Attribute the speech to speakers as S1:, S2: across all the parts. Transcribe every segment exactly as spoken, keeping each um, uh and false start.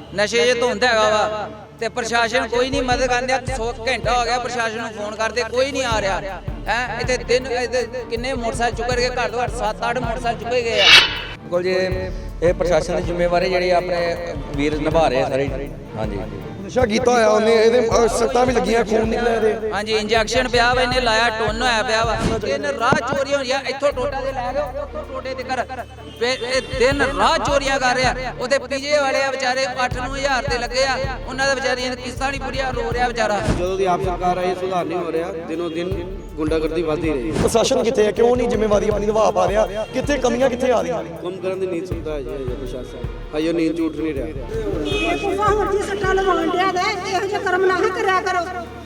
S1: ਨਸ਼ੇ 'ਚ ਧੁੰਦ ਹੈਗਾ ਵਾ ਤੇ ਪ੍ਰਸ਼ਾਸਨ ਕੋਈ ਨਹੀਂ ਮਦਦ ਕਰਦਾ। ਸੌ ਘੰਟਾ ਹੋ ਗਿਆ ਪ੍ਰਸ਼ਾਸਨ ਨੂੰ ਫੋਨ ਕਰਦੇ, ਕੋਈ ਨਹੀਂ ਆ ਰਿਹਾ ਹੈ। ਇੱਥੇ ਤਿੰਨ ਕਿੰਨੇ ਮੋਟਰਸਾਈਕਲ ਚੁੱਕ ਕੇ ਘੱਟ ਤੋਂ ਘੱਟ ਸੱਤ ਅੱਠ ਮੋਟਰਸਾਈਕਲ ਚੁੱਕੇ ਗਏ ਆ।
S2: ਬਿਲਕੁਲ ਜੀ, ਇਹ ਪ੍ਰਸ਼ਾਸਨ ਦੀ ਜ਼ਿੰਮੇਵਾਰੀ ਜਿਹੜੀ ਆਪਣੇ ਵੀਰ ਨਿਭਾ ਰਹੇ ਸਾਰੇ। ਹਾਂਜੀ,
S3: ਨਸ਼ਾ ਕੀਤਾ ਹੋਇਆ ਉਹਨੇ, ਇਹਦੇ ਸੱਟਾਂ ਵੀ ਲੱਗੀਆਂ, ਖੂਨ ਨਿਕਲਿਆ ਇਹਦੇ।
S1: ਹਾਂਜੀ, ਇੰਜੈਕਸ਼ਨ ਪਿਆ ਵਾ, ਇਹਨੇ ਲਾਇਆ, ਟੁੰਨ ਹੋਇਆ ਪਿਆ ਵਾ। ਦਿਨ ਰਾਹ ਚੋਰੀਆਂ ਹੋਈਆਂ, ਇੱਥੋਂ ਟੋਟਾ ਦੇ ਲੈ ਗਏ, ਉੱਥੋਂ ਟੋਟੇ ਤੇ ਕਰ ਇਹ ਦਿਨ ਰਾਹ ਚੋਰੀਆਂ ਕਰ ਰਿਹਾ। ਉਹਦੇ ਪੀਜੇ ਵਾਲੇ ਆ ਵਿਚਾਰੇ ਅੱਠ ਨੌ ਹਜ਼ਾਰ ਤੇ ਲੱਗੇ ਆ, ਉਹਨਾਂ ਦੇ ਵਿਚਾਰੀਆਂ ਦੀ ਕਿਸ਼ਤਾਂ ਨਹੀਂ ਪੂਰੀਆਂ, ਰੋ ਰਿਹਾ ਵਿਚਾਰਾ।
S4: ਜਦੋਂ ਦੀ ਆਪ ਸਰਕਾਰ ਆਈ ਸੁਧਾਰ ਨਹੀਂ ਹੋ ਰਿਹਾ, ਦਿਨੋਂ ਦਿਨ ਗੁੰਡਾਗਰਦੀ ਵੱਧਦੀ ਰਹੀ।
S3: ਪ੍ਰਸ਼ਾਸਨ ਕਿੱਥੇ ਹੈ, ਕਿਉਂ ਨਹੀਂ ਜ਼ਿੰਮੇਵਾਰੀ ਆਪਣੀ ਨਿਭਾ ਪਾ ਰਿਹਾ, ਕਿੱਥੇ ਕਮੀਆਂ ਕਿੱਥੇ ਆ ਰਹੀਆਂ?
S4: ਕੰਮ ਕਰਨ ਦੀ ਨੀਂਦ ਸੁਣਦਾ ਹੈ ਜੀ ਪ੍ਰਸ਼ਾਸਨ, ਹਜੇ ਨੀਂਦ ਝੂਠ ਨਹੀਂ ਰਿਹਾ।
S5: ਇਹ ਕੋਸਾ ਹੋਰ ਜੀ ਸੱਟਾਂ ਲਵਾਉਣ ਡਿਆ ਦੇ, ਇਹੋ ਜਿਹੇ ਕਰਮ ਨਾ ਕਰਿਆ ਕਰੋ।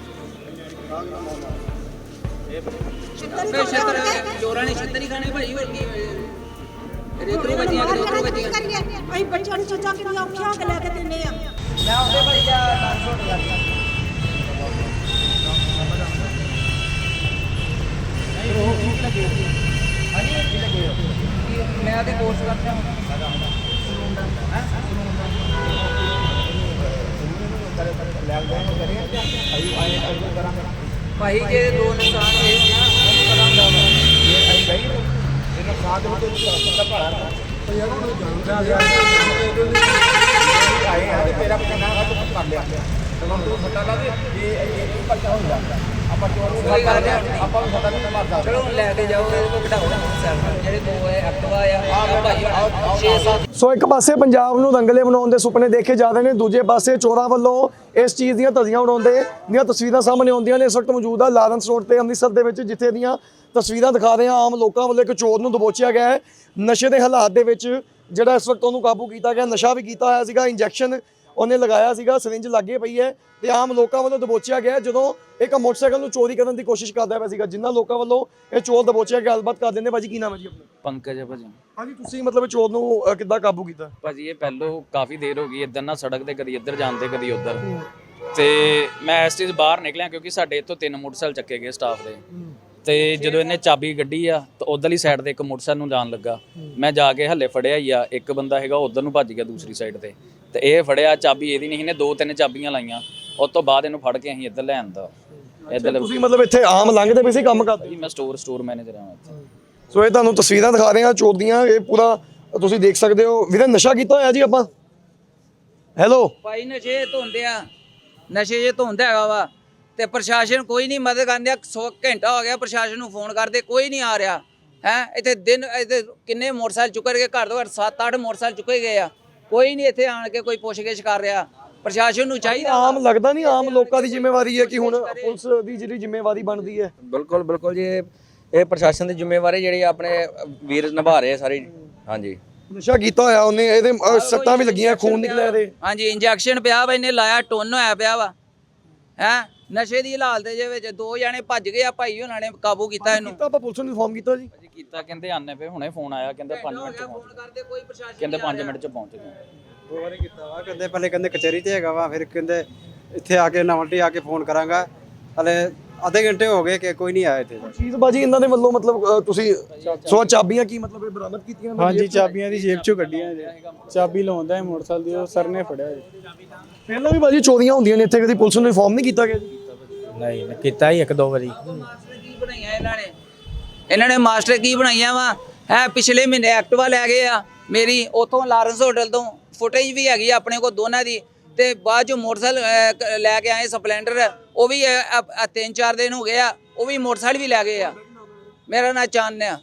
S1: ਫੇਰ ਛੱਤਰ ਚੋਰਾਂ ਨੇ ਛੱਤਰ ਹੀ ਖਾਣੇ ਭਾਈ, ਹੋਰ ਕੀ ਰੇਤਰੂ ਬੱਚੀਆਂ ਰੇਤਰੂ ਬੱਚੀਆਂ
S5: ਅਸੀਂ ਬੱਚਿਆਂ ਨੂੰ ਚੀਜ਼ਾਂ ਕਿੰਨੀਆਂ ਔਖੀਆਂ ਹੋ ਕੇ ਲੈ ਕੇ ਦਿੰਦੇ ਆ।
S1: ਮੈਂ ਉਹਦੇ ਭਾਈ ਆ ਟ੍ਰਾਂਸਪੋਰਟ ਕਰਦਾ ਮੈਂ ਤੇ ਕੋਰਸ ਕਰਦਾ ਹਾਂ। ਭਾਈ ਜੇ ਦੋ ਨੁਕਸਾਨ ਹੋਏ ਨਾ ਉਹਨੂੰ ਪਤਾ ਹੁੰਦਾ ਵਾ ਇਹ ਆਈ ਗਈ ਇਹਨਾਂ ਸਾਥ ਦੇ ਵਿੱਚ ਦਾ ਭਾੜਾ ਤੇ ਯਾਰ ਉਹਨੂੰ ਜਾਣਦਾ ਗਿਆ ਆਏ ਆ ਤੇ ਤੇਰਾ ਕਿੰਨਾ ਹੈ ਤੂੰ ਕਰ ਲਿਆ ਤੇ ਹੁਣ ਤੂੰ ਸੱਟਾ ਲਾ ਦੇ ਇਹ ਇਹ ਪੱਕਾ ਹੋ ਜਾਂਦਾ। ਆਪਾਂ ਚੋਰ ਨੂੰ ਆਪਾਂ ਨੂੰ ਸੱਟਾ ਨਹੀਂ ਮਾਰਦਾ। ਚਲੋ ਲੈ ਕੇ ਜਾਓ, ਇਹਦੇ ਕੋਲ ਬਿਠਾਓ ਨਾ ਜਿਹੜੇ ਦੋ ਹੈ ਐਕਟਿਵਾ ਆ ਆ ਭਾਈ ਛੇ ਸੱਤ।
S3: ਸੋ ਇੱਕ ਪਾਸੇ ਪੰਜਾਬ ਨੂੰ ਰੰਗਲੇ ਬਣਾਉਣ ਦੇ ਸੁਪਨੇ ਦੇਖੇ ਜਾ ਰਹੇ ਨੇ, ਦੂਜੇ ਪਾਸੇ ਚੋਰਾਂ ਵੱਲੋਂ ਇਸ ਚੀਜ਼ ਦੀਆਂ ਧੱਜੀਆਂ ਉਡਾਉਂਦੇ ਦੀਆਂ ਤਸਵੀਰਾਂ ਸਾਹਮਣੇ ਆਉਂਦੀਆਂ ਨੇ। ਇਸ ਵਕਤ ਮੌਜੂਦ ਆ ਲਾਰੈਂਸ ਰੋਡ ਤੇ ਅੰਮ੍ਰਿਤਸਰ ਦੇ ਵਿੱਚ, ਜਿੱਥੇ ਦੀਆਂ ਤਸਵੀਰਾਂ ਦਿਖਾ ਰਹੇ ਹਾਂ। ਆਮ ਲੋਕਾਂ ਵੱਲੋਂ ਇੱਕ ਚੋਰ ਨੂੰ ਦਬੋਚਿਆ ਗਿਆ ਹੈ, ਨਸ਼ੇ ਦੇ ਹਾਲਾਤ ਦੇ ਵਿੱਚ ਜਿਹੜਾ ਇਸ ਵਕਤ ਉਹਨੂੰ ਕਾਬੂ ਕੀਤਾ ਗਿਆ। ਨਸ਼ਾ ਵੀ ਕੀਤਾ ਹੋਇਆ ਸੀਗਾ, ਇੰਜੈਕਸ਼ਨ ਉਹਨੇ ਲਗਾਇਆ ਸੀਗਾ, ਸਿਰਿੰਜ ਲੱਗੇ ਪਈ ਹੈ ਤੇ ਆਮ ਲੋਕਾਂ ਵੱਲੋਂ ਦਬੋਚਿਆ ਗਿਆ ਜਦੋਂ ਇੱਕ ਮੋਟਰਸਾਈਕਲ ਨੂੰ ਚੋਰੀ ਕਰਨ ਦੀ ਕੋਸ਼ਿਸ਼ ਕਰਦਾ ਪਿਆ ਸੀਗਾ। ਜਿਨ੍ਹਾਂ ਲੋਕਾਂ ਵੱਲੋਂ ਇਹ ਚੋਰ ਦਬੋਚਿਆ ਗਿਆ, ਗੱਲਬਾਤ ਕਰ ਦਿੰਦੇ। ਭਾਜੀ ਕੀ ਨਾਮ ਹੈ ਜੀ ਆਪਣਾ?
S6: ਪੰਕਜ ਹੈ ਭਾਜੀ।
S3: ਹਾਂਜੀ, ਤੁਸੀਂ ਮਤਲਬ ਚੋਰ ਨੂੰ ਕਿੱਦਾਂ ਕਾਬੂ ਕੀਤਾ?
S6: ਭਾਜੀ ਇਹ ਪਹਿਲੋਂ ਕਾਫੀ ਦੇਰ ਹੋ ਗਈ ਇੱਧਰ ਨਾ ਸੜਕ ਤੇ ਕਦੀ ਇੱਧਰ ਜਾਂਦੇ ਕਦੀ ਉੱਧਰ, ਤੇ ਮੈਂ ਇਸ ਚੀਜ਼ ਬਾਹਰ ਨਿਕਲਿਆ ਕਿਉਂਕਿ ਸਾਡੇ ਇੱਥੋਂ ਤਿੰਨ ਮੋਟਰਸਾਈਕਲ ਚੱਕੇ ਗਏ ਸਟਾਫ ਦੇ, ਤੇ ਜਦੋਂ ਇਹਨੇ ਚਾਬੀ ਗੱਡੀ ਆ ਤਾਂ ਉਧਰਲੀ ਸਾਈਡ ਤੇ ਇੱਕ ਮੋਟਰਸਾਈਕਲ ਨੂੰ ਜਾਣ ਲੱਗਾ। ਮੈਂ ਜਾ ਕੇ ਹੱਲੇ ਫੜਿਆ ਹੀ ਆ, ਇੱਕ ਬੰਦਾ ਹੈਗਾ ਉਧਰ ਨੂੰ ਭੱਜ ਗਿਆ ਦੂਸਰੀ ਸਾਈਡ ਤੇ, ਤੇ ਇਹ ਫੜਿਆ ਚਾਬੀ ਇਹਦੀ ਨਹੀਂ, ਇਹਨੇ ਦੋ ਤਿੰਨ ਚਾਬੀਆਂ ਲਾਈਆਂ। ਉਸ ਤੋਂ ਬਾਅਦ ਇਹਨੂੰ ਫੜ ਕੇ ਅਸੀਂ ਇੱਧਰ ਲੈ ਆਂਦਾ। ਇੱਧਰ
S3: ਤੁਸੀਂ ਮਤਲਬ ਇੱਥੇ ਆਮ ਲੰਘਦੇ ਪਏ ਸੀ, ਕੰਮ ਕਰਦੇ?
S6: ਜੀ ਮੈਂ ਸਟੋਰ ਸਟੋਰ ਮੈਨੇਜਰ ਹਾਂ ਇੱਥੇ।
S3: ਸੋ ਇਹ ਤੁਹਾਨੂੰ ਤਸਵੀਰਾਂ ਦਿਖਾ ਰਹੇ ਹਾਂ ਚੋਰ ਦੀਆਂ, ਇਹ ਪੂਰਾ ਤੁਸੀਂ ਦੇਖ ਸਕਦੇ ਹੋ। ਵੀਰੇ ਨਸ਼ਾ ਕੀਤਾ ਹੋਇਆ ਜੀ ਆਪਾਂ? ਹੈਲੋ
S1: ਭਾਈ ਨਸ਼ੇ ਧੁੰਦ ਆ, ਨਸ਼ੇ 'ਚ ਧੁੰਦ ਹੈਗਾ ਵਾ ਤੇ ਪ੍ਰਸ਼ਾਸਨ ਕੋਈ ਨਹੀਂ ਮਦਦ ਕਰਦਾ। ਸੌ ਘੰਟਾ ਹੋ ਗਿਆ ਪ੍ਰਸ਼ਾਸਨ ਨੂੰ ਫੋਨ ਕਰਦੇ, ਕੋਈ ਨਹੀਂ ਆ ਰਿਹਾ ਹੈ। ਇੱਥੇ ਦਿਨ ਇੱਥੇ ਕਿੰਨੇ ਮੋਟਰਸਾਈਕਲ ਚੁੱਕ ਕੇ ਘੱਟ ਤੋਂ ਘੱਟ ਸੱਤ ਅੱਠ ਮੋਟਰਸਾਈਕਲ ਚੁੱਕੇ ਗਏ ਆ, ਕੋਈ ਨਹੀਂ ਇੱਥੇ ਆਣ ਕੇ ਕੋਈ ਪੁੱਛਗਿੱਛ ਕਰ ਰਿਹਾ। ਪ੍ਰਸ਼ਾਸਨ ਨੂੰ ਚਾਹੀਦਾ।
S3: ਆਮ ਲੱਗਦਾ ਨਹੀਂ ਆਮ ਲੋਕਾਂ ਦੀ ਜ਼ਿੰਮੇਵਾਰੀ ਹੈ ਕਿ ਹੁਣ ਪੁਲਿਸ ਦੀ ਜਿਹੜੀ ਜ਼ਿੰਮੇਵਾਰੀ ਬਣਦੀ ਹੈ?
S2: ਬਿਲਕੁਲ ਬਿਲਕੁਲ ਜੀ, ਇਹ ਪ੍ਰਸ਼ਾਸਨ ਦੀ ਜ਼ਿੰਮੇਵਾਰੀ ਜਿਹੜੀ ਆਪਣੇ ਵੀਰ ਨਿਭਾ ਰਹੇ ਸਾਰੇ। ਹਾਂਜੀ,
S3: ਨਸ਼ਾ ਕੀਤਾ ਹੋਇਆ ਉਹਨੇ, ਇਹਦੇ ਸੱਟਾਂ ਵੀ ਲੱਗੀਆਂ, ਖੂਨ ਨਿਕਲਿਆ ਇਹਦੇ।
S1: ਹਾਂਜੀ, ਇੰਜੈਕਸ਼ਨ ਪਿਆ ਵਾ, ਇਹਨੇ ਲਾਇਆ, ਟੁੰਨ ਹੋਇਆ ਪਿਆ ਵਾ ਹੈ। ਨਸ਼ੇ ਦੀ ਹਾਲਤ ਦੇ ਵਿੱਚ ਦੋ ਜਾਣੇ ਭੱਜ ਗਏ ਆ, ਭਾਈ ਉਹਨਾਂ ਨੇ ਕਾਬੂ ਕੀਤਾ ਇਹਨੂੰ।
S3: ਆਪਾਂ ਪੁਲਿਸ ਨੂੰ ਇਨਫੋਰਮ ਕੀਤਾ ਜੀ?
S6: ਭਾਜੀ ਕੀਤਾ, ਕਹਿੰਦੇ ਆਨੇ ਪਏ, ਹੁਣੇ ਫੋਨ ਆਇਆ, ਕਹਿੰਦੇ ਪੰਜ ਮਿੰਟ ਚ
S1: ਫੋਨ
S6: ਪਹੁੰਚ
S1: ਕਰਦੇ, ਕੋਈ ਪ੍ਰਸ਼ਾਸਨ
S6: ਕਹਿੰਦੇ ਪੰਜ ਮਿੰਟ ਚ ਪਹੁੰਚ ਗਏ।
S4: ਦੋ ਵਾਰੀ ਕੀਤਾ ਵਾ, ਕਹਿੰਦੇ ਪਹਿਲੇ ਕਹਿੰਦੇ ਕਚਹਿਰੀ ਤੇ ਹੈਗਾ ਵਾ, ਫਿਰ ਕਹਿੰਦੇ ਇੱਥੇ ਆ ਕੇ ਨਵਲਟੀ ਆ ਕੇ ਫੋਨ ਕਰਾਂਗਾ। ਹਲੇ ਅੱਧੇ ਘੰਟੇ ਹੋ ਗਏ ਕਿ ਕੋਈ ਨਹੀਂ ਆਇਆ ਇੱਥੇ।
S3: ਚੀਜ਼ ਬਾਜੀ ਇਹਨਾਂ ਦੇ ਵੱਲੋਂ ਮਤਲਬ ਤੁਸੀਂ ਸੋ ਚਾਬੀਆਂ ਕੀ ਮਤਲਬ ਇਹ ਬਰਾਮਦ ਕੀਤੀਆਂ?
S7: ਹਾਂਜੀ, ਚਾਬੀਆਂ ਦੀ ਜੇਬ ਚੋਂ ਕੱਢੀਆਂ ਜੀ। ਚਾਬੀ ਲਾਉਂਦਾ ਹੈ ਮੋਟਰਸਾਈਕਲ ਦੀ, ਉਹ ਸਰ ਨੇ ਫੜਿਆ ਜੀ।
S3: ਪਹਿਲਾਂ ਵੀ ਬਾਜੀ ਚੋਰੀਆਂ ਹੁੰਦੀਆਂ ਨੇ ਇੱਥੇ, ਕਦੀ ਪੁਲਿਸ ਨੂੰ ਇਨਫੋਰਮ ਨਹੀਂ ਕੀਤਾ ਗਿਆ ਜੀ?
S7: ਨਹੀਂ, ਕੀਤਾ ਹੀ ਇੱਕ ਦੋ ਵਾਰੀ।
S1: ਮਾਸਟਰ ਕੀ ਬਣਾਈਆਂ ਇਹਨਾਂ ਨੇ, ਇਹਨਾਂ ਨੇ ਮਾਸਟਰ ਕੀ ਬਣਾਈਆਂ ਵਾ ਹੈ। ਪਿਛਲੇ ਮਹੀਨੇ ਐਕਟਿਵਾ ਲੈ ਗਏ ਆ ਮੇਰੀ, ਉਥੋਂ ਲਾਰੈਂਸ ਹੋਟਲ ਤੋਂ ਫੁਟੇਜ ਵੀ ਹੈਗੀ ਆਪਣੇ ਕੋਲ ਦੋਨਾਂ ਦੀ। ਤੇ ਬਾਅਦ ਚੋਂ ਮੋਟਰਸਾਈਕਲ ਲੈ ਕੇ ਆਏ ਸਪਲੈਂਡਰ, ਉਹ ਵੀ ਤਿੰਨ ਚਾਰ ਦਿਨ ਹੋ ਗਏ ਆ, ਉਹ ਵੀ ਮੋਟਰਸਾਈਕਲ ਵੀ ਲੈ ਗਏ ਆ। ਮੇਰਾ ਨਾਂ ਚਾਨਣ ਆ,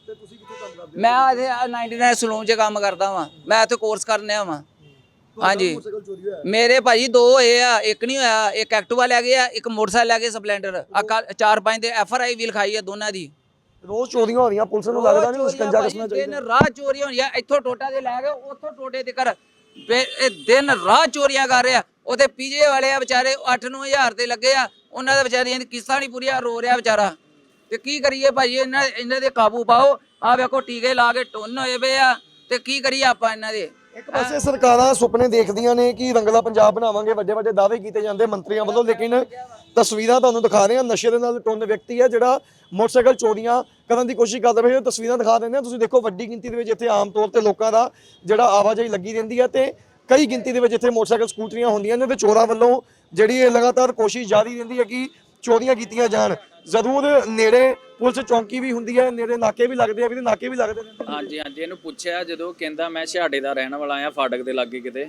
S1: ਮੈਂ ਇੱਥੇ ਨਾਈਨਟੀ ਨਾਈਨ ਸਲੂਨ 'ਚ ਕੰਮ ਕਰਦਾ ਵਾਂ, ਮੈਂ ਇੱਥੇ ਕੋਰਸ ਕਰਨ ਆ ਵਾਂ। ਹਾਂਜੀ, ਮੇਰੇ ਭਾਜੀ ਦੋ ਹੋਏ ਆ, ਇੱਕ ਨਹੀਂ ਹੋਇਆ। ਇੱਕ ਐਕਟਿਵਾ ਲੈ ਗਏ ਆ, ਇੱਕ ਮੋਟਰਸਾਈਕਲ ਲੈ ਗਏ ਸਪਲੈਂਡਰ। ਚਾਰ ਪੰਜ ਦੇ ਐਫ ਆਰ ਆਈ ਵੀ ਲਿਖਾਈ ਆ ਦੋਨਾਂ ਦੀ।
S3: ਰੋਜ਼ ਚੋਰੀਆਂ ਹੋ ਰਹੀਆਂ, ਪੁਲਿਸ ਨੂੰ ਲੱਗਦਾ ਨਹੀਂ ਸਕੰਜਾ ਕੱਸਣਾ ਚਾਹੀਦਾ?
S1: ਦਿਨ ਰਾਹ ਚੋਰੀਆਂ ਹੋਈਆਂ, ਇੱਥੋਂ ਟੋਟਾ ਦੇ ਲੈ ਗਏ, ਉੱਥੋਂ ਟੋਟੇ ਤੇ ਕਰ ਇਹ ਦਿਨ ਰਾਹ ਚੋਰੀਆਂ ਕਰ ਰਿਹਾ। ਉਹਦੇ ਪੀਜੇ ਵਾਲੇ ਆ ਵਿਚਾਰੇ ਅੱਠ ਨੌ ਹਜ਼ਾਰ ਤੇ ਲੱਗੇ ਆ, ਉਹਨਾਂ ਦੇ ਵਿਚਾਰੀਆਂ ਦੀ ਕਿਸ਼ਤਾਂ ਨਹੀਂ ਪੂਰੀਆਂ, ਰੋ ਰਿਹਾ ਵਿਚਾਰਾ। ਤੇ ਕੀ ਕਰੀਏ ਭਾਜੀ, ਇਹਨਾਂ ਇਹਨਾਂ ਦੇ ਕਾਬੂ ਪਾਓ। ਆ ਵੇਖੋ ਟੀਕੇ ਲਾ ਕੇ ਟੁੰਨ ਹੋਏ ਪਏ ਆ, ਤੇ ਕੀ ਕਰੀਏ ਆਪਾਂ ਇਹਨਾਂ ਦੇ।
S3: ਇੱਕ ਪਾਸੇ ਸਰਕਾਰਾਂ ਸੁਪਨੇ ਦੇਖਦੀਆਂ ਨੇ ਕਿ ਰੰਗਲਾ ਪੰਜਾਬ ਬਣਾਵਾਂਗੇ, ਵੱਡੇ ਵੱਡੇ ਦਾਅਵੇ ਕੀਤੇ ਜਾਂਦੇ ਮੰਤਰੀਆਂ ਵੱਲੋਂ, ਲੇਕਿਨ ਤਸਵੀਰਾਂ ਤੁਹਾਨੂੰ ਦਿਖਾ ਰਹੇ ਹਾਂ। ਨਸ਼ੇ ਦੇ ਨਾਲ ਟੁੰਨ ਵਿਅਕਤੀ ਹੈ ਜਿਹੜਾ ਮੋਟਰਸਾਈਕਲ ਚੋਰੀਆਂ ਕਰਨ ਦੀ ਕੋਸ਼ਿਸ਼ ਕਰਦਾ ਪਿਆ। ਤਸਵੀਰਾਂ ਦਿਖਾ ਦਿੰਦੇ ਹਾਂ, ਤੁਸੀਂ ਦੇਖੋ ਵੱਡੀ ਗਿਣਤੀ ਦੇ ਵਿੱਚ ਇੱਥੇ ਆਮ ਤੌਰ ਤੇ ਲੋਕਾਂ ਦਾ ਜਿਹੜਾ ਆਵਾਜਾਈ ਲੱਗੀ ਰਹਿੰਦੀ ਹੈ ਤੇ ਕਈ ਗਿਣਤੀ ਦੇ ਵਿੱਚ ਇੱਥੇ ਮੋਟਰਸਾਈਕਲ ਸਕੂਟਰੀਆਂ ਹੁੰਦੀਆਂ ਨੇ ਤੇ ਚੋਰਾਂ ਵੱਲੋਂ ਜਿਹੜੀ ਇਹ ਲਗਾਤਾਰ ਕੋਸ਼ਿਸ਼ ਜਾਰੀ ਰਹਿੰਦੀ ਹੈ ਕਿ ਚੋਰੀਆਂ ਕੀਤੀਆਂ ਜਾਣ। ਜ਼ਰੂਰ ਨੇੜੇ ਪੁਲਿਸ ਚੌਂਕੀ ਵੀ ਹੁੰਦੀ ਹੈ, ਨੇੜੇ ਨਾਕੇ ਵੀ ਲੱਗਦੇ ਆ ਵੀ, ਨਾਕੇ ਵੀ ਲੱਗਦੇ ਨੇ।
S6: ਹਾਂਜੀ ਹਾਂਜੀ ਇਹਨੂੰ ਪੁੱਛਿਆ ਜਦੋਂ ਕਹਿੰਦਾ ਮੈਂ ਛਿਹਾੜੇ ਦਾ ਰਹਿਣ ਵਾਲਾ ਆ, ਫਾਟਕ ਦੇ ਲਾਗੇ ਕਿਤੇ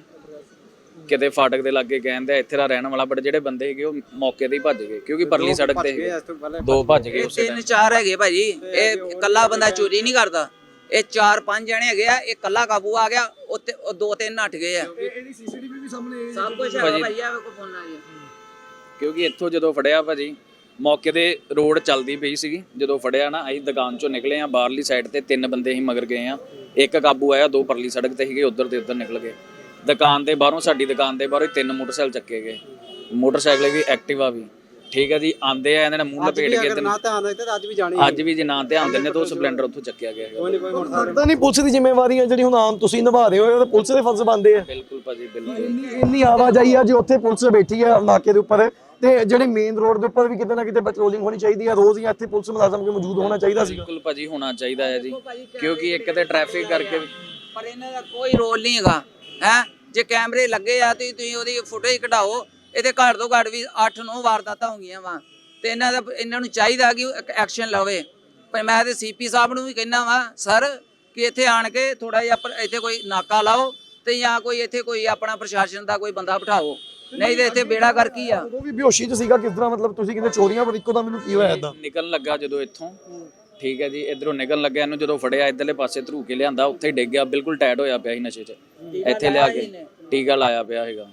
S6: ਕਿਤੇ ਫਾਟਕ ਦੇ ਲਾਗੇ ਕਹਿੰਦੇ ਇੱਥੇ ਦਾ ਰਹਿਣ ਵਾਲਾ, ਬਟ ਜਿਹੜੇ ਬੰਦੇ ਹੈਗੇ ਉਹ ਮੌਕੇ ਤੇ ਹੀ ਭੱਜ ਗਏ ਕਿਉਂਕਿ ਪਰਲੀ ਸੜਕ ਤੇ ਦੋ ਭੱਜ ਗਏ ਉਸੇ
S1: ਤਿੰਨ ਚਾਰ ਹੈਗੇ ਭਾਜੀ, ਇਹ ਇਕੱਲਾ ਬੰਦਾ ਚੋਰੀ ਨਹੀਂ ਕਰਦਾ, ਇਹ ਚਾਰ ਪੰਜ ਜਣੇ ਹੈਗੇ ਆ, ਇਹ ਇਕੱਲਾ ਕਾਬੂ ਆ ਗਿਆ, ਉੱਤੇ ਉਹ ਦੋ ਤਿੰਨ ਨੱਠ ਗਏ ਆ।
S3: ਇਹਦੀ ਸੀਸੀਟੀਵੀ ਵੀ ਸਾਹਮਣੇ
S1: ਸਭ ਕੁਝ ਹੈਗਾ ਭਾਜੀ, ਆ ਵੇਖੋ ਫੋਨਾਂ 'ਚ।
S6: ਕਿਉਂਕਿ ਇੱਥੋਂ ਜਦੋਂ ਫੜਿਆ ਭਾਜੀ ਮੌਕੇ ਤੇ ਰੋਡ ਚੱਲਦੀ ਪਈ ਸੀਗੀ, ਜਦੋਂ ਫੜਿਆ ਨਾ ਅਸੀਂ ਦੁਕਾਨ ਚੋਂ ਨਿਕਲੇ ਆ, ਬਾਹਰਲੀ ਸਾਈਡ ਤੇ ਤਿੰਨ ਬੰਦੇ ਹੀ ਮਗਰ ਗਏ ਆ, ਇੱਕ ਕਾਬੂ ਆਇਆ, ਦੋ ਪਰਲੀ ਸੜਕ ਤੇ ਸੀਗੇ, ਉਧਰ ਤੇ ਉਧਰ ਨਿਕਲ ਗਏ। ਦੁਕਾਨ ਦੇ ਬਾਹਰੋਂ, ਸਾਡੀ ਦੁਕਾਨ ਦੇ ਬਾਹਰੋਂ ਤਿੰਨ ਮੋਟਰਸਾਈਕਲ ਚੱਕੇ ਗਏ, ਮੋਟਰਸਾਈਕਲ ਵੀ ਐਕਟਿਵਾ ਵੀ, ਠੀਕ ਹੈ ਜੀ। ਆਂਦੇ ਆ ਇਹਨਾਂ ਨੇ ਮੂੰਹ ਲਪੇਟ ਕੇ
S4: ਨਾ ਧਿਆਨ ਦਿੱਤੇ ਤਾਂ ਅੱਜ ਵੀ ਜਾਣੀ
S6: ਅੱਜ ਵੀ ਜੇ ਨਾ ਧਿਆਨ ਦਿੰਦੇ ਤਾਂ ਉਹ ਸਪਲੈਂਡਰ ਉੱਥੋਂ ਚੱਕਿਆ ਗਿਆ ਹੈਗਾ।
S3: ਲੱਗਦਾ ਨਹੀਂ ਪੁਲਿਸ ਦੀ ਜ਼ਿੰਮੇਵਾਰੀ ਹੈ ਜਿਹੜੀ ਹੁਣ ਆਮ ਤੁਸੀਂ ਨਿਭਾ ਰਹੇ ਹੋ, ਇਹ ਤਾਂ ਪੁਲਿਸ ਦੇ ਫਰਜ਼ ਬਣਦੇ ਆ।
S6: ਬਿਲਕੁਲ ਭਾਜੀ ਬਿਲਕੁਲ।
S3: ਇੰਨੀ ਇੰਨੀ ਆਵਾਜਾਈ ਆ ਜੀ, ਉੱਥੇ ਪੁਲਿਸ ਬੈਠੀ ਹੈ ਨਾਕੇ ਦੇ ਉੱਪਰ, ਤੇ ਜਿਹੜੇ ਮੇਨ ਰੋਡ ਦੇ ਉੱਪਰ ਵੀ ਕਿਤੇ ਨਾ ਕਿਤੇ ਪੈਟਰੋਲਿੰਗ ਹੋਣੀ ਚਾਹੀਦੀ ਹੈ ਰੋਜ਼, ਹੀ ਇੱਥੇ ਪੁਲਿਸ ਮੁਲਾਜ਼ਮ ਕੇ ਮੌਜੂਦ ਹੋਣਾ ਚਾਹੀਦਾ ਸੀ।
S6: ਬਿਲਕੁਲ ਭਾਜੀ ਹੋਣਾ ਚਾਹੀਦਾ ਹੈ ਜੀ, ਕਿਉਂਕਿ ਇੱਕ ਤੇ ਟ੍ਰੈਫਿਕ ਕਰਕੇ
S1: ਪਰ ਇਹਨਾਂ ਦਾ ਕੋਈ ਰੋਲ ਨਹੀਂ ਹੈਗਾ ਹੈ। ਜੇ ਕੈਮਰੇ ਲੱਗੇ ਆ ਤੇ ਤੁਸੀਂ ਉਹਦੀ ਫੁਟੇਜ ਕਢਾਓ, ਇਹਦੇ ਘੱਟ ਤੋਂ ਘੱਟ ਵੀ ਅੱਠ ਨੌ ਵਾਰਦਾਤਾਂ ਹੋ ਗਈਆਂ ਵਾ, ਤੇ ਇਹਨਾਂ ਦਾ ਇਹਨਾਂ ਨੂੰ ਚਾਹੀਦਾ ਕਿ ਐਕਸ਼ਨ ਲਵੇ। ਪਰ ਮੈਂ ਤੇ ਸੀਪੀ ਸਾਹਿਬ ਨੂੰ ਵੀ ਕਹਿਣਾ ਵਾ ਸਰ ਕਿ ਇੱਥੇ ਆਣ ਕੇ ਥੋੜਾ ਜਿਹਾ ਇੱਥੇ ਕੋਈ ਨਾਕਾ ਲਾਓ, ਤੇ ਜਾਂ ਕੋਈ ਇੱਥੇ ਕੋਈ ਆਪਣਾ ਪ੍ਰਸ਼ਾਸਨ ਦਾ ਕੋਈ ਬੰਦਾ ਬਿਠਾਓ, ਨਹੀਂ ਤੇ ਇੱਥੇ ਬੇੜਾ ਕਰ ਕੀ ਆ।
S3: ਉਹ ਵੀ ਬੇਹੋਸ਼ੀ ਚ ਸੀਗਾ ਕਿਸ ਤਰ੍ਹਾਂ, ਮਤਲਬ ਤੁਸੀਂ ਕਹਿੰਦੇ ਚੋਰੀਆਂ ਪਰ ਇੱਕੋ ਦਮ ਮੈਨੂੰ ਕੀ ਹੋਇਆ ਇਦਾਂ?
S6: ਨਿਕਲਣ ਲੱਗਾ ਜਦੋਂ ਇੱਥੋਂ, ਠੀਕ ਹੈ ਜੀ, ਇਧਰੋਂ ਨਿਕਲਣ ਲੱਗਿਆ, ਇਹਨੂੰ ਜਦੋਂ ਫੜਿਆ ਇਧਰਲੇ ਪਾਸੇ ਧਰੂ ਕੇ ਲਿਆਂਦਾ, ਉੱਥੇ ਹੀ ਡਿੱਗ ਗਿਆ, ਬਿਲਕੁਲ ਟਾਇਟ ਹੋਇਆ ਪਿਆ ਸੀ ਨਸ਼ੇ 'ਚ, ਇੱਥੇ ਲਿਆ ਕੇ ਟੀਕਾ ਲਾਇਆ ਪਿਆ ਹੈਗਾ।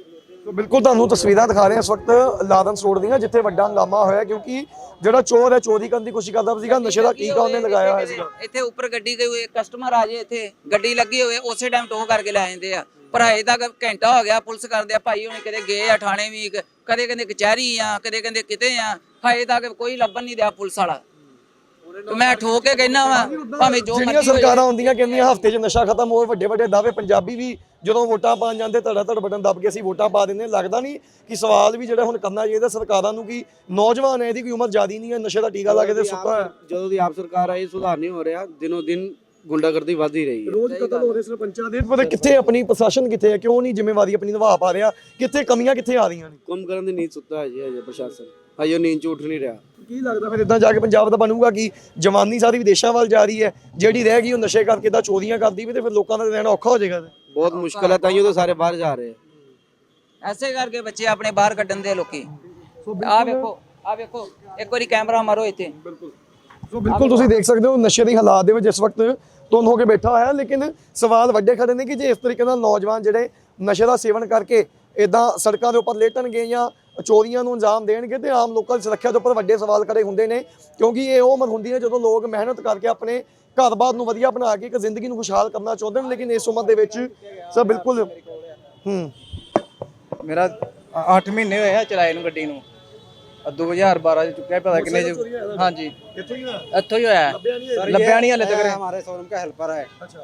S3: ਸੋ ਬਿਲਕੁਲ ਤੁਹਾਨੂੰ ਤਸਵੀਰਾਂ ਦਿਖਾ ਰਹੇ ਹਾਂ ਇਸ ਵਕਤ ਲਾਰੈਂਸ ਰੋਡ ਦੀਆਂ, ਜਿੱਥੇ ਵੱਡਾ ਹੰਗਾਮਾ ਹੋਇਆ ਕਿਉਂਕਿ ਜਿਹੜਾ ਚੋਰ ਹੈ ਚੋਰੀ ਕਰਨ ਦੀ ਕੋਸ਼ਿਸ਼ ਕਰਦਾ ਸੀਗਾ, ਨਸ਼ੇ ਦਾ ਟੀਕਾ ਉਹਨੇ ਲਗਾਇਆ ਹੋਇਆ ਸੀਗਾ।
S1: ਇੱਥੇ ਉੱਪਰ ਗੱਡੀ ਕੋਈ ਕਸਟਮਰ ਆ ਜੇ, ਇੱਥੇ ਗੱਡੀ ਲੱਗੀ ਹੋਵੇ ਉਸੇ ਟਾਈਮ ਟੋ ਕਰਕੇ ਲੈ ਜਾਂਦੇ ਆ। ਪਰ ਹਜੇ ਤੱਕ ਘੰਟਾ ਹੋ ਗਿਆ ਪੁਲਿਸ ਕਰਦੇ ਆ, ਭਾਈ ਹੁਣ ਕਿਤੇ ਗਏ ਆ ਥਾਣੇ ਵੀ, ਕਦੇ ਕਹਿੰਦੇ ਕਚਹਿਰੀ ਆ, ਕਦੇ ਕਹਿੰਦੇ ਕਿਤੇ ਆ, ਹਜੇ ਤੱਕ ਕੋਈ ਲੱਭਣ ਨਹੀਂ ਦਿਆ ਪੁਲਿਸ ਵਾਲਾ। ਮੈਂ ਠੋਕ ਕੇ ਕਹਿਣਾ ਵਾ ਭਾਵੇਂ ਜੋ
S3: ਜਿਹੜੀਆਂ ਸਰਕਾਰਾਂ ਹੁੰਦੀਆਂ ਕਹਿੰਦੀਆਂ ਹਫ਼ਤੇ 'ਚ ਨਸ਼ਾ ਖਤਮ ਹੋਵੇ, ਵੱਡੇ ਵੱਡੇ ਦਾਅਵੇ, ਪੰਜਾਬੀ ਵੀ ਜਦੋਂ ਵੋਟਾਂ ਪਾਣ ਜਾਂਦੇ ਧੜਾ ਧੜ ਬਟਨ ਦੱਬ ਕੇ ਅਸੀਂ ਵੋਟਾਂ ਪਾ ਦਿੰਦੇ। ਲੱਗਦਾ ਨਹੀਂ ਕਿ ਸਵਾਲ ਵੀ ਜਿਹੜਾ ਹੁਣ ਕਰਨਾ ਚਾਹੀਦਾ ਸਰਕਾਰਾਂ ਨੂੰ ਕਿ ਨੌਜਵਾਨ ਹੈ, ਇਹਦੀ ਕੋਈ ਉਮਰ ਜ਼ਿਆਦੀ ਨਹੀਂ ਹੈ, ਨਸ਼ੇ ਦਾ ਟੀਕਾ ਲਾ ਕੇ ਤੇ ਸੁੱਤਾ ਹੈ।
S8: ਜਦੋਂ ਦੀ ਆਪ ਸਰਕਾਰ ਆਈ ਸੁਧਾਰ ਨਹੀਂ ਹੋ ਰਿਹਾ, ਦਿਨੋਂ ਦਿਨ ਗੁੰਡਾਗਰਦੀ ਵੱਧ ਹੀ ਰਹੀ ਹੈ।
S3: ਰੋਜ਼ ਕਤਲ ਹੋ ਰਹੇ ਸਰਪੰਚਾਂ ਦੇ, ਪਰ ਕਿੱਥੇ ਆਪਣੀ ਪ੍ਰਸ਼ਾਸਨ ਕਿੱਥੇ ਹੈ, ਕਿਉਂ ਨਹੀਂ ਜ਼ਿੰਮੇਵਾਰੀ ਆਪਣੀ ਨਿਭਾ ਪਾ ਰਿਹਾ, ਕਿੱਥੇ ਕਮੀਆਂ ਕਿੱਥੇ ਆ ਰਹੀਆਂ ਨੇ?
S8: ਕੰਮ ਕਰਨ ਦੀ ਨੀਂਦ ਸੁੱਤਾ ਹੈ ਜੀ ਅਜੇ ਪ੍ਰਸ਼ਾਸਨ, ਹਜੇ ਉਹ ਨੀਂਦ 'ਚ ਉੱਠ ਨਹੀਂ ਰਿਹਾ।
S3: ਕੀ ਲੱਗਦਾ ਫਿਰ ਇਦਾਂ ਜਾ ਕੇ ਪੰਜਾਬ ਦਾ ਬਣੂਗਾ ਕਿ ਜਵਾਨੀ ਸਾਰੀ ਵਿਦੇਸ਼ਾਂ ਵੱਲ ਜਾ ਰਹੀ ਹੈ, ਜਿਹੜੀ ਰਹਿ ਗਈ ਉਹ ਨਸ਼ੇ ਕਰਕੇ ਤਾਂ ਚੋਰੀਆਂ ਕਰਦੀ ਵੀ, ਤੇ ਫਿਰ ਲੋਕਾਂ ਦਾ ਰਹਿਣਾ ਔਖਾ ਹੋ ਜਾਏਗਾ।
S8: ਬਹੁਤ ਮੁਸ਼ਕਲ ਹੈ, ਤਾਈਓ ਤਾਂ ਸਾਰੇ ਬਾਹਰ ਜਾ ਰਹੇ ਆ।
S1: ਐਸੇ ਕਰਕੇ ਬੱਚੇ ਆਪਣੇ ਬਾਹਰ ਕੱਢਣ ਦੇ ਲੋਕੀ। ਆਹ ਵੇਖੋ ਆਹ ਵੇਖੋ ਇੱਕ ਵਾਰੀ ਕੈਮਰਾ ਮਾਰੋ ਇੱਥੇ।
S3: ਸੋ ਬਿਲਕੁਲ ਤੁਸੀਂ ਦੇਖ ਸਕਦੇ ਹੋ ਨਸ਼ੇ ਦੇ ਹਾਲਾਤ ਦੇ ਵਿੱਚ ਇਸ ਵਕਤ ਧੁੰਦ ਹੋ ਕੇ ਬੈਠਾ ਹੋਇਆ, ਲੇਕਿਨ ਸਵਾਲ ਵੱਡੇ ਖੜੇ ਨੇ ਕਿ ਜੇ ਇਸ ਤਰੀਕੇ ਨਾਲ ਨੌਜਵਾਨ ਜਿਹੜੇ ਨਸ਼ੇ ਦਾ ਸੇਵਨ ਕਰਕੇ ਇਦਾਂ ਸੜਕਾਂ ਦੇ ਉੱਪਰ ਲੇਟਣਗੇ ਜਾਂ ਚੋਰੀਆਂ ਨੂੰ ਅੰਜਾਮ ਦੇਣਗੇ, ਤੇ ਆਮ ਲੋਕਾਂ ਦੀ ਸੁਰੱਖਿਆ ਦੇ ਉੱਪਰ ਵੱਡੇ ਸਵਾਲ ਖੜੇ ਹੁੰਦੇ ਨੇ, ਕਿਉਂਕਿ ਇਹ ਉਹ ਉਮਰ ਹੁੰਦੀ ਹੈ ਜਦੋਂ ਲੋਕ ਮਿਹਨਤ ਕਰਕੇ ਆਪਣੇ ਘਰ-ਬਾਰ ਨੂੰ ਵਧੀਆ ਬਣਾ ਕੇ ਇੱਕ ਜ਼ਿੰਦਗੀ ਨੂੰ ਖੁਸ਼ਹਾਲ ਕਰਨਾ ਚਾਹੁੰਦੇ ਨੇ, ਲੇਕਿਨ ਇਸ ਉਮਰ ਦੇ ਵਿੱਚ ਸਭ ਬਿਲਕੁਲ ਹੂੰ
S9: ਮੇਰਾ ਅੱਠ ਮਹੀਨੇ ਹੋਏ ਆ ਚਲਾਏ ਨੂੰ ਗੱਡੀ ਨੂੰ, ਦੋ ਹਜ਼ਾਰ ਬਾਰਾਂ ਚ ਚੁੱਕਿਆ, ਪਤਾ ਕਿੰਨੇ ਚ। ਹਾਂਜੀ
S3: ਕਿੱਥੋਂ ਹੀ ਹੋਇਆ?
S9: ਇੱਥੋਂ ਹੀ ਹੋਇਆ, ਲੱਭਿਆ ਨਹੀਂ ਹਲੇ ਤੱਕ।
S4: हमारे शोरूम का हेल्पर है। अच्छा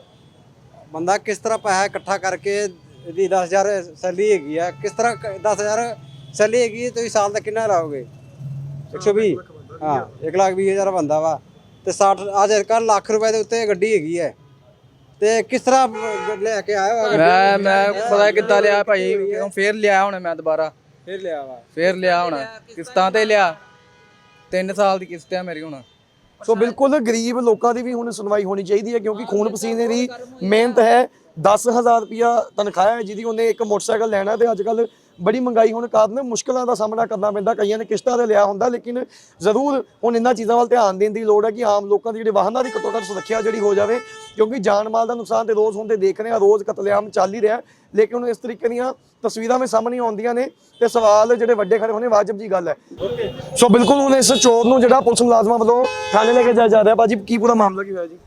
S4: बंदा किस तरह पैसा इकट्ठा करके यदि दस हजार सैलरी हैगी है, किस तरह दस हजार सैलरी हैगी तो साल तक कितना लाओगे? एक सौ भी हाँ एक लाख भी हज़ार बंदा वा तो साठ आज कल लाख रुपए के उत्ते गड्डी हैगी है, ਤੇ ਕਿਸ ਤਰ੍ਹਾਂ ਲੈ ਕੇ ਆਇਆ ਵਾ?
S9: ਮੈਂ ਮੈਂ ਪਤਾ ਕਿੱਦਾਂ ਲਿਆ ਭਾਈ, ਕਿਉਂ ਫੇਰ ਲਿਆ ਹੁਣ ਮੈਂ ਦੁਬਾਰਾ,
S4: ਫਿਰ ਲਿਆ ਵਾ
S9: ਫੇਰ ਲਿਆ ਹੁਣ ਕਿਸ਼ਤਾਂ ਤੇ ਲਿਆ, ਤਿੰਨ ਸਾਲ ਦੀ ਕਿਸ਼ਤ ਹੈ ਮੇਰੀ ਹੁਣ।
S3: ਸੋ ਬਿਲਕੁਲ ਗਰੀਬ ਲੋਕਾਂ ਦੀ ਵੀ ਹੁਣ ਸੁਣਵਾਈ ਹੋਣੀ ਚਾਹੀਦੀ ਹੈ, ਕਿਉਂਕਿ ਖੂਨ ਪਸੀਨੇ ਦੀ ਮਿਹਨਤ ਹੈ। ਦਸ ਹਜ਼ਾਰ ਰੁਪਇਆ ਤਨਖਾਹ ਹੈ ਜਿਹਦੀ ਉਹਨੇ ਇੱਕ ਮੋਟਰਸਾਈਕਲ ਲੈਣਾ, ਤੇ ਅੱਜ ਕੱਲ ਬੜੀ ਮਹਿੰਗਾਈ ਹੋਣ ਕਾਰਨ ਮੁਸ਼ਕਲਾਂ ਦਾ ਸਾਹਮਣਾ ਕਰਨਾ ਪੈਂਦਾ। ਕਈਆਂ ਨੇ ਕਿਸ਼ਤਾਂ ਤੇ ਲਿਆ ਹੁੰਦਾ, ਲੇਕਿਨ ਜ਼ਰੂਰ ਹੁਣ ਇਹਨਾਂ ਚੀਜ਼ਾਂ ਵੱਲ ਧਿਆਨ ਦੇਣ ਦੀ ਲੋੜ ਹੈ ਕਿ ਆਮ ਲੋਕਾਂ ਦੀ ਜਿਹੜੇ ਵਾਹਨਾਂ ਦੀ ਘੱਟੋ ਘੱਟ ਸੁਰੱਖਿਆ ਜਿਹੜੀ ਹੋ ਜਾਵੇ, ਕਿਉਂਕਿ ਜਾਨ ਮਾਲ ਦਾ ਨੁਕਸਾਨ ਤੇ ਰੋਜ਼ ਹੁੰਦੇ ਦੇਖ ਰਹੇ ਹਾਂ, ਰੋਜ਼ ਕਤਲੇਆਮ ਚੱਲ ਹੀ ਰਿਹਾ, ਲੇਕਿਨ ਹੁਣ ਇਸ ਤਰੀਕੇ ਦੀਆਂ ਤਸਵੀਰਾਂ ਵਿੱਚ ਸਾਹਮਣੇ ਆਉਂਦੀਆਂ ਨੇ ਤੇ ਸਵਾਲ ਜਿਹੜੇ ਵੱਡੇ ਖੜੇ ਹੋਣੇ ਵਾਜਬ ਜੀ ਗੱਲ ਹੈ। ਸੋ ਬਿਲਕੁਲ ਹੁਣ ਇਸ ਚੋਰ ਨੂੰ ਜਿਹੜਾ ਪੁਲਿਸ ਮੁਲਾਜ਼ਮਾਂ ਵੱਲੋਂ ਥਾਣੇ ਲੈ ਕੇ ਜਾਇਆ ਜਾ ਰਿਹਾ। ਭਾਜੀ ਕੀ ਪੂਰਾ ਮਾਮਲਾ ਕੀ ਹੋਇਆ ਜੀ?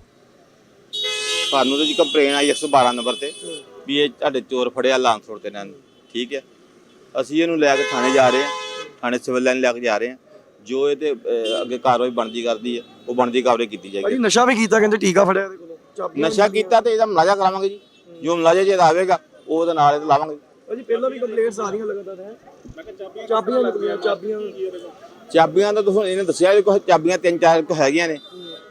S10: ਸਾਨੂੰ ਤਾਂ ਜੀ ਕੰਪਲੇਨ ਆਈ ਇੱਕ ਸੌ ਬਾਰਾਂ ਨੰਬਰ ਤੇ ਵੀ ਇਹ ਤੁਹਾਡੇ ਚੋਰ ਫੜਿਆ ਲਾਂਸ ਰੋਡ ਤੇ ਇਹਨਾਂ ਨੇ, ਠੀਕ ਹੈ। ਅਸੀਂ ਇਹਨੂੰ ਲੈ ਕੇ ਥਾਣੇ ਜਾ ਰਹੇ ਹਾਂ, ਥਾਣੇ ਸਿਵਲ ਲਾਈਨ ਲੈ ਕੇ ਜਾ ਰਹੇ ਹਾਂ, ਜੋ ਇਹ ਤੇ ਅੱਗੇ ਕਾਰਵਾਈ ਬਣਦੀ ਕਰਦੀ ਹੈ ਉਹ ਬਣਦੀ ਕਾਰਵਾਈ ਕੀਤੀ ਜਾਏਗੀ।
S3: ਭਾਜੀ ਨਸ਼ਾ ਵੀ ਕੀਤਾ, ਕਹਿੰਦੇ ਟੀਕਾ ਫੜਿਆ ਇਹਦੇ ਕੋਲੋਂ,
S10: ਨਸ਼ਾ ਕੀਤਾ ਤੇ ਇਹਦਾ ਮੁਲਾਜ਼ਾ ਕਰਾਵਾਂਗੇ ਜੀ, ਜੋ ਮੁਲਾਜ਼ਾ ਜੇ ਆਵੇਗਾ ਉਹਦੇ ਨਾਲ ਇਹ ਲਾਵਾਂਗੇ।
S3: ਭਾਜੀ ਪਹਿਲਾਂ ਵੀ ਕੰਪਲੇਂਟਸ ਆ ਰਹੀਆਂ ਲਗਾਤਾਰ ਹੈ, ਮੈਂ ਕਿਹਾ ਚਾਬੀਆਂ ਨਿਕਲੀਆਂ, ਚਾਬੀਆਂ
S10: ਚਾਬੀਆਂ ਦਾ ਤੁਸੀਂ ਇਹਨੇ ਦੱਸਿਆ ਵੀ ਕੁਝ ਚਾਬੀਆਂ ਤਿੰਨ ਚਾਰ ਕੁ ਹੈਗੀਆਂ ਨੇ,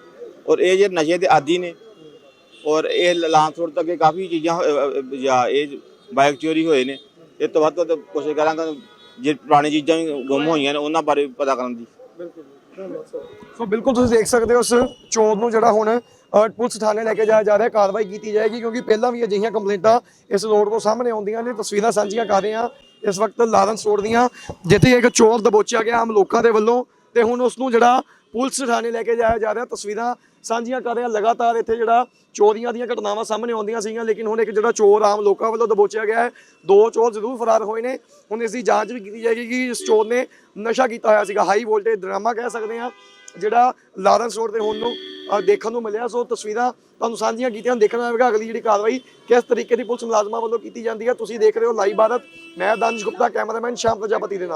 S10: ਔਰ ਇਹ ਜੇ ਨਸ਼ੇ ਦੇ ਆਦੀ ਨੇ, ਔਰ ਇਹ ਲਾਂਸ ਰੋਡ ਤੱਕ ਕਾਫੀ ਚੀਜ਼ਾਂ ਜਾਂ ਇਹ ਬਾਈਕ ਚੋਰੀ ਹੋਏ ਨੇ। ਇਹ ਤੋਂ ਵੱਧ ਤੋਂ ਵੱਧ ਕੋਸ਼ਿਸ਼ ਕਰਾਂਗਾ ਜੇ ਪੁਰਾਣੀ ਚੀਜ਼ਾਂ ਵੀ ਗੁੰਮ ਹੋਈਆਂ ਨੇ ਉਹਨਾਂ ਬਾਰੇ ਪਤਾ ਕਰਨ ਦੀ।
S3: ਸੋ ਬਿਲਕੁਲ ਤੁਸੀਂ ਦੇਖ ਸਕਦੇ ਹੋ ਉਸ ਚੋਰ ਨੂੰ ਜਿਹੜਾ ਹੁਣ ਅ, ਪੁਲਿਸ ਥਾਣੇ ਲੈ ਕੇ ਜਾਇਆ ਜਾ ਰਿਹਾ, ਕਾਰਵਾਈ ਕੀਤੀ ਜਾਏਗੀ ਕਿਉਂਕਿ ਪਹਿਲਾਂ ਵੀ ਅਜਿਹੀਆਂ ਕੰਪਲੇਂਟਾਂ ਇਸ ਰੋਡ ਤੋਂ ਸਾਹਮਣੇ ਆਉਂਦੀਆਂ ਨੇ। ਤਸਵੀਰਾਂ ਸਾਂਝੀਆਂ ਕਰ ਰਹੇ ਹਾਂ ਇਸ ਵਕਤ ਲਾਰੈਂਸ ਰੋਡ ਦੀਆਂ, ਜਿੱਥੇ ਇੱਕ ਚੋਰ ਦਬੋਚਿਆ ਗਿਆ ਆਮ ਲੋਕਾਂ ਦੇ ਵੱਲੋਂ ਤੇ ਹੁਣ ਉਸ ਨੂੰ ਜਿਹੜਾ ਪੁਲਿਸ ਥਾਣੇ ਲੈ ਕੇ ਜਾਇਆ ਜਾ ਰਿਹਾ। ਤਸਵੀਰਾਂ ਸਾਂਝੀਆਂ ਕਰ ਰਹੇ ਹਾਂ। ਲਗਾਤਾਰ ਇੱਥੇ ਜਿਹੜਾ ਚੋਰੀਆਂ ਦੀਆਂ ਘਟਨਾਵਾਂ ਸਾਹਮਣੇ ਆਉਂਦੀਆਂ ਸੀਗੀਆਂ, ਲੇਕਿਨ ਹੁਣ ਇੱਕ ਜਿਹੜਾ ਚੋਰ ਆਮ ਲੋਕਾਂ ਵੱਲੋਂ ਦਬੋਚਿਆ ਗਿਆ ਹੈ। ਦੋ ਚੋਰ ਜ਼ਰੂਰ ਫਰਾਰ ਹੋਏ ਨੇ। ਹੁਣ ਇਸ ਦੀ ਜਾਂਚ ਵੀ ਕੀਤੀ ਜਾਏਗੀ ਕਿ ਇਸ ਚੋਰ ਨੇ ਨਸ਼ਾ ਕੀਤਾ ਹੋਇਆ ਸੀਗਾ। ਹਾਈ ਵੋਲਟੇਜ ਡਰਾਮਾ ਕਹਿ ਸਕਦੇ ਹਾਂ ਜਿਹੜਾ ਲਾਰੈਂਸ ਰੋਡ ਤੇ ਹੁਣ ਨੂੰ ਅ, ਦੇਖਣ ਨੂੰ ਮਿਲਿਆ। ਸੋ ਤਸਵੀਰਾਂ ਤੁਹਾਨੂੰ ਸਾਂਝੀਆਂ ਕੀਤੀਆਂ, ਦੇਖਣਾ ਹੋਵੇਗਾ ਅਗਲੀ ਜਿਹੜੀ ਕਾਰਵਾਈ ਕਿਸ ਤਰੀਕੇ ਦੀ ਪੁਲਿਸ ਮੁਲਾਜ਼ਮਾਂ ਵੱਲੋਂ ਕੀਤੀ ਜਾਂਦੀ ਹੈ। ਤੁਸੀਂ ਦੇਖ ਰਹੇ ਹੋ ਲਾਈਵ ਭਾਰਤ, ਮੈਂ ਦਾਨਿਸ਼ ਗੁਪਤਾ, ਕੈਮਰਾਮੈਨ ਸ਼ਾਮ ਪ੍ਰਜਾਪਤੀ ਦੇ ਨਾਲ।